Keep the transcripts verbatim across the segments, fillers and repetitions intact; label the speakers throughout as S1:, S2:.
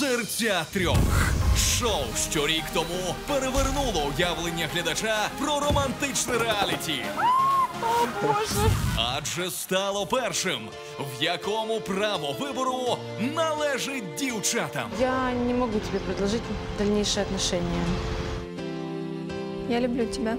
S1: Серця трьох. Шоу, що рік тому перевернуло уявлення глядача про романтичне реаліті.
S2: О, Боже!
S1: Адже стало першим, в якому право вибору належить дівчатам.
S2: Я не могу тебе предложить дальнейшие отношения.
S3: Я люблю тебя.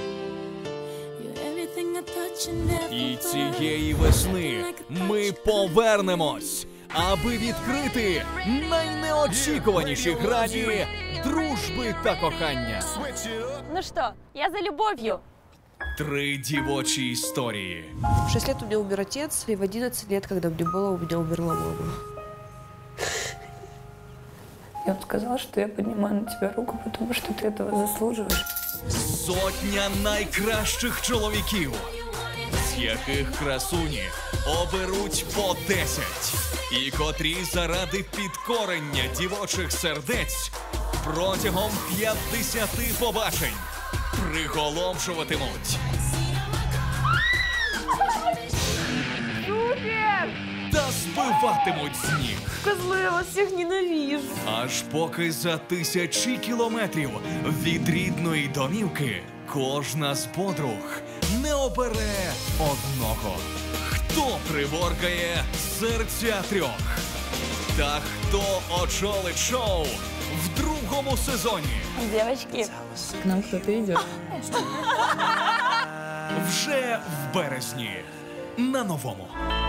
S1: І цієї весни ми повернемось, аби відкрити найнеочікуваніші грані дружби та кохання.
S3: Ну что, я за любовью.
S1: Три дівочі історії.
S4: В шесть лет у меня умер отец, и в одиннадцать лет, когда мне было, у меня умерла мама.
S5: Я вам сказала, что я поднимаю на тебя руку, потому что ты этого заслуживаешь.
S1: Сотня найкращих чоловіків, з яких красуні оберуть по десять. І котрі заради підкорення дівочих сердець протягом п'ятдесяти побачень приголомшуватимуть.
S2: Супер!
S1: Та збиватимуть з ніг.
S2: Козлы, я вас всех ненавижу.
S1: Аж поки за тисячі кілометрів від рідної домівки кожна з подруг не обере одного. Хто приборкає серця трьох? Та хто очолить шоу в другому сезоні?
S3: Девочки.
S5: К нам кто-то идет.
S1: Вже в березні на Новому.